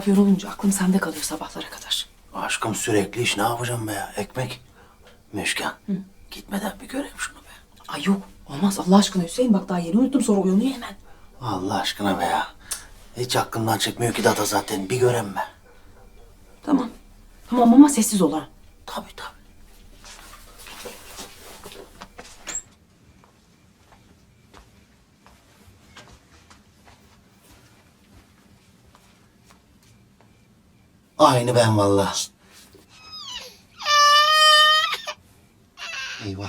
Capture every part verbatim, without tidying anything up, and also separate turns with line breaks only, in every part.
Pavyon olunca aklım sende kalıyor sabahlara kadar.
Aşkım sürekli iş, ne yapacağım be ya? Ekmek. Müşken. Hı. Gitmeden bir göreyim şunu be.
Ay yok olmaz Allah aşkına Hüseyin, bak daha yeni unuttum sonra uyanıyor hemen.
Allah aşkına be ya. Hiç aklımdan çıkmıyor ki Dada zaten. Bir göreyim be.
Tamam. Tamam ama sessiz ol ha.
Tabii tabii. Aynı ben vallahi. Eyvah.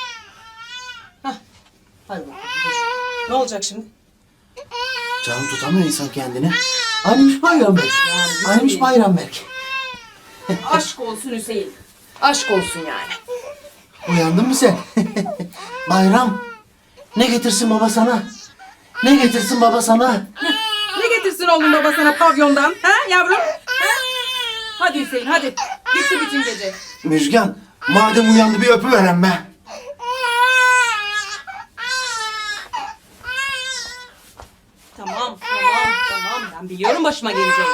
Hadi bakalım. Ne olacak şimdi?
Canım tutamıyor insan kendini. Aynıymış Bayram Bey.
Yani
Aynıymış Bayram Bey.
Aşk olsun Hüseyin. Aşk olsun yani.
Uyandın mı sen? Bayram. Ne getirsin baba sana? Ne getirsin baba sana?
Ne getirsin oğlum baba sana pavyondan? Ha yavrum? Ha? Hadi Hüseyin hadi. Gitti bütün gece.
Müjgan, madem uyandı bir öpüveren be.
Tamam tamam tamam. Ben biliyorum başıma geleceğini.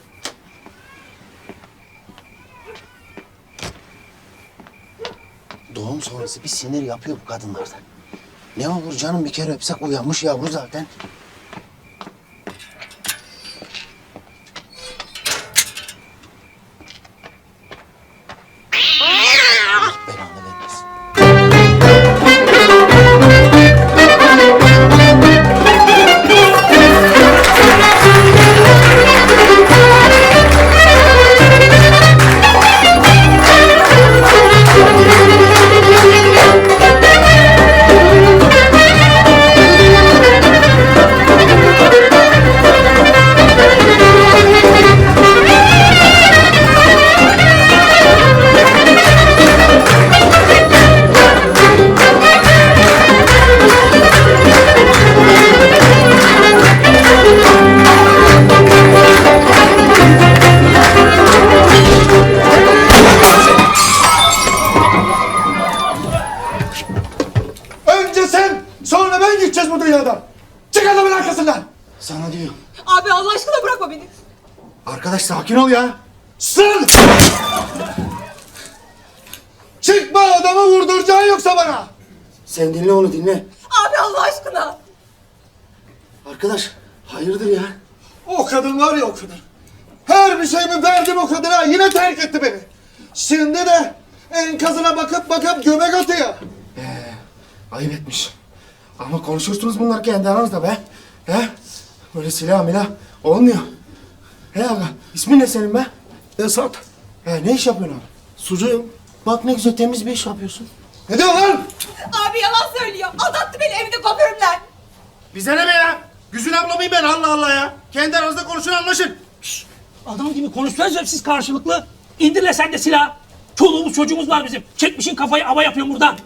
Doğum sonrası bir sinir yapıyor bu kadınlardan. Ne olur canım, bir kere öpsek uyanmış yavru zaten. Allah belanı vermesin.
Önce sen, sonra ben gideceğiz bu dünyadan. Çık adamın arkasından.
Sana diyor.
Abi Allah aşkına bırakma beni.
Arkadaş sakin ol ya.
Sır! Çıkma, adamı vurduracaksın yoksa bana.
Sen dinle onu, dinle.
Abi Allah aşkına.
Arkadaş hayırdır ya?
O kadın var ya, o kadın. Her bir şeyimi verdim o kadına, yine terk etti beni. Şimdi de enkazına bakıp bakıp göbek atıyor.
Ee, ayıp etmiş. Ama konuşursunuz bunlar kendi aranızda be. He? Böyle silah milah olmuyor. He aga, ismin ne senin be?
Esat.
He, ne iş yapıyorsun abi? Sucuğum. Bak ne güzel temiz bir iş yapıyorsun.
Ne diyorsun lan?
Abi yalan söylüyor. Aldattı beni evde kuaförümden.
Bize ne be ya? Güzün abla mıyım ben, Allah Allah ya? Kendi aranızda konuşun, anlaşın.
Adam gibi konuşsanıza siz karşılıklı. İndirle sen de silah. Çoluğumuz çocuğumuz var bizim. Çekmişin kafayı ava yapıyor buradan.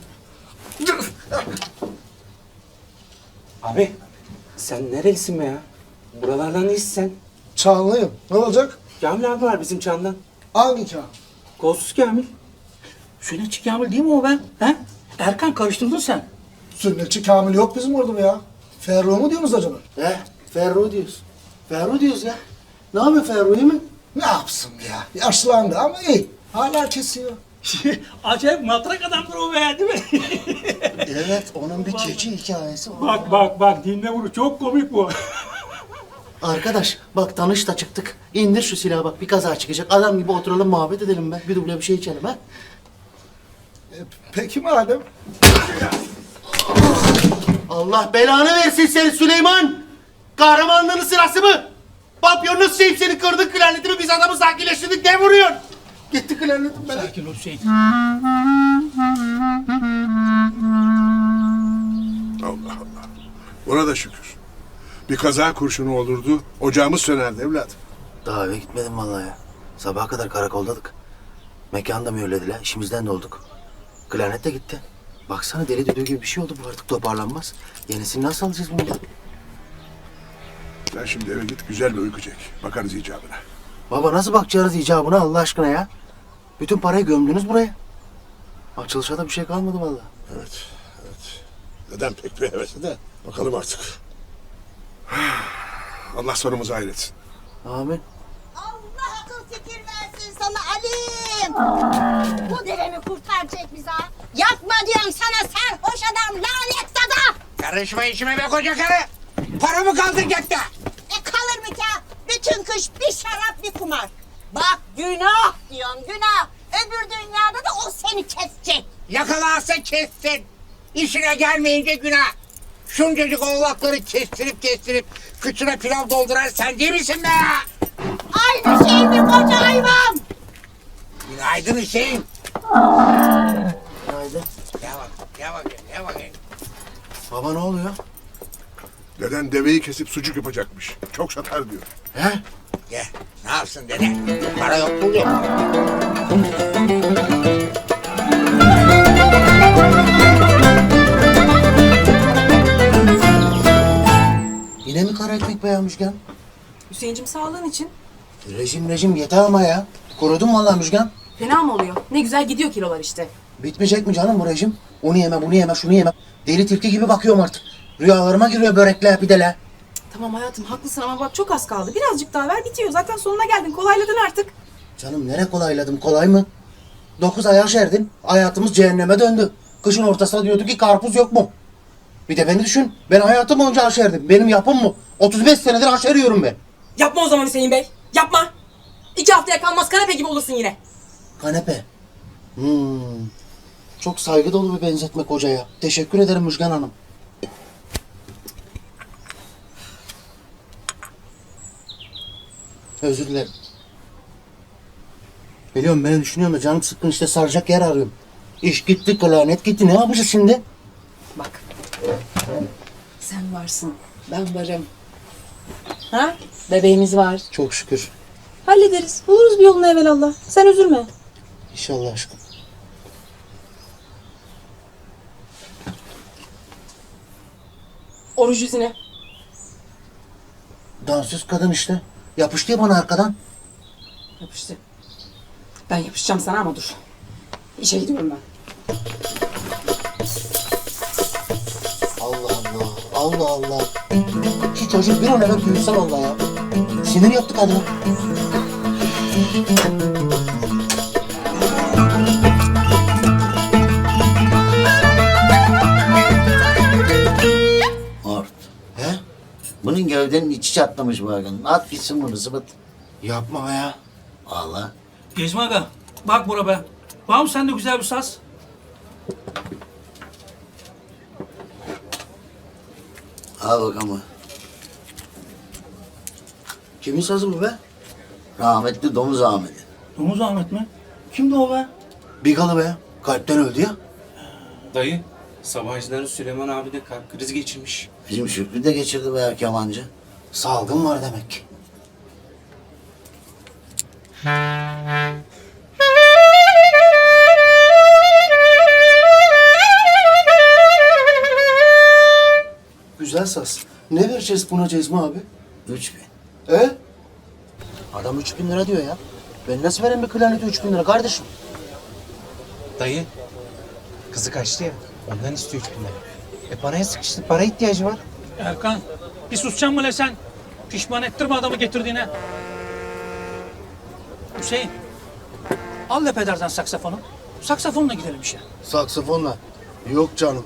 Abi sen nerelisin be ya? Buralardan değilsin sen.
Çağlıyım. Ne olacak?
Kamil abi var bizim Çan'dan.
Hangi çağ?
Kolsuz Kamil.
Sünnetçi Kamil değil mi o ben? He? Erkan karıştırdın sen.
Sünnetçi Kamil yok bizim orada ya. Ferruh mu diyorsunuz acaba?
He, Ferruh diyoruz. Ferruh diyoruz ya. Ne yapıyor Ferruh, iyi mi?
Ne yapsın ya? Yaşlandı ama iyi. Hala kesiyor.
Acayip matrak adamdır o be, değil mi?
Evet, onun bir keçi hikayesi var.
Bak bak bak dinle bunu, çok komik bu.
Arkadaş, bak tanış da çıktık. İndir şu silahı bak, bir kaza çıkacak. Adam gibi oturalım, muhabbet edelim be. Bir duble bir şey içelim ha.
E, peki madem.
Allah belanı versin seni Süleyman! Kahramanlığının sırası mı? Papyonunu sevip seni kırdık, klarnetimi biz adamı sakinleştirdik, ne vuruyorsun? Gitti klarnetim ben.
Sakin ol Hüseyin.
Allah Allah. Buna da şükür. Bir kaza kurşunu olurdu, ocağımız sönerdi evladım.
Daha eve gitmedim vallahi ya. Sabaha kadar karakoldaydık. Mekanı da mühürlediler, işimizden de olduk. Klarnet de gitti. Baksana deli düdüğü gibi bir şey oldu, bu artık toparlanmaz. Yenisini nasıl alacağız bunu ya?
Sen şimdi eve git, güzel bir uyku çek. Bakarız icabına.
Baba nasıl bakacağız icabına Allah aşkına ya? Bütün parayı gömdünüz buraya. Açılışa da bir şey kalmadı vallahi.
Evet, evet. Neden pek bir hevesi de. Bakalım artık. Allah sonumuzu hayretsin.
Amin.
Kim? Bu deve mi kurtaracak bizi ha? Yapma diyorum sana sarhoş adam, lanet dada!
Karışma işime be koca karı. Para mı kaldı cepte?
E kalır mı ki ha? Bütün kış bir şarap bir kumar. Bak günah diyorum günah. Öbür dünyada da o seni kesecek.
Yakalarsa kessin. İşine gelmeyince günah. Şuncacık oğlakları kestirip kestirip kıçına pilav dolduran sen değil misin be?
Aynı şey mi koca hayvan?
Günaydın Hüseyin.
Günaydın.
Gel bak, gel bakayım, gel bakayım.
Baba ne oluyor?
Deden deveyi kesip sucuk yapacakmış. Çok satar diyor.
He?
Gel, ne yapsın dede? Para yok, pul yok.
Yine mi kara ekmek be Müjgan?
Hüseyin'cim sağlığın için.
Rejim rejim yeter ama ya. Korudun vallahi Müjgan.
Fena mı oluyor? Ne güzel gidiyor kilolar işte.
Bitmeyecek mi canım bu rejim? Onu yeme, bunu yeme, şunu yeme. Deli tilki gibi bakıyorum artık. Rüyalarıma giriyor börekle, pideler.
Tamam hayatım haklısın ama bak çok az kaldı. Birazcık daha ver bitiyor. Zaten sonuna geldin. Kolayladın artık.
Canım nere kolayladım, kolay mı? Dokuz ay aşerdin, hayatımız cehenneme döndü. Kışın ortasında diyordu ki karpuz yok mu? Bir de beni düşün, ben hayatım boyunca aşerdim. Benim yapım mı? otuz beş senedir aşeriyorum ben.
Yapma o zaman Hüseyin Bey. Yapma. İki haftaya kalmaz kanepe gibi olursun yine.
Kanepe. Hmm. Çok saygı dolu bir benzetme kocaya. Teşekkür ederim Müjgan Hanım. Özür dilerim. Biliyorum beni düşünüyorum da canım sıkkın işte saracak yer arıyorum. İş gitti, klarnet gitti. Ne yapacağız şimdi?
Bak. Sen varsın. Ben varım. Ha? Bebeğimiz var.
Çok şükür.
Hallederiz. Buluruz bir yolunu evelallah. Sen üzülme.
İnşallah aşkım.
Oruç yüzüne.
Dansöz kadın işte. Yapıştı ya bana arkadan.
Yapıştı. Ben yapışacağım sana ama dur. İşe gidiyorum ben.
Allah Allah. Allah Allah. Şu çocuk bir an evvel büyüse vallahi ya. Sinir yaptık adına.
Ort.
He?
Bunun gövdenin içi çatlamış bu arganın. At gitsin bunu zıbıt.
Yapma be ya.
Vallahi.
Gezme aga. Bak bura be. Var mı sende güzel bir saz?
Al bakalım.
Kimin sazı bu be?
Rahmetli Domuz Ahmet'i.
Domuz Ahmet mi? Kimdi o be?
Bigalı be. Kalpten öldü ya.
Dayı, Sabancıların Süleyman abi de kalp krizi geçirmiş.
Bizim Şükrü de geçirdi be kemancı.
Salgın var demek ki. Güzel saz. Ne vereceğiz buna Cezmi abi?
Üç bin.
E? Adam üç bin lira diyor ya. Ben nasıl vereyim bir klarnete üç bin lira kardeşim?
Dayı, kızı kaçtı ya, ondan istiyor üç bin lira. E paraya sıkıştı, para ihtiyacı var.
Erkan, bir susacaksın mı le sen? Pişman ettirme adamı getirdiğine. Hüseyin, al le pederden saksafonu. Saksafonla gidelim işe.
Saksafonla. Yok canım.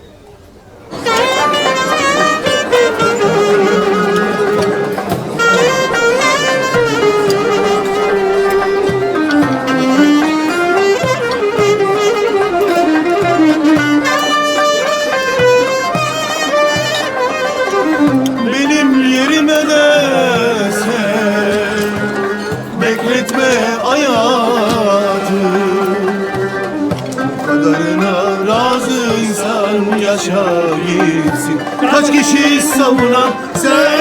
Benim yerime de sen bekletme hayatı. Bu kadarına razıysan yaşa gitsin. Kaç kişi savunan sen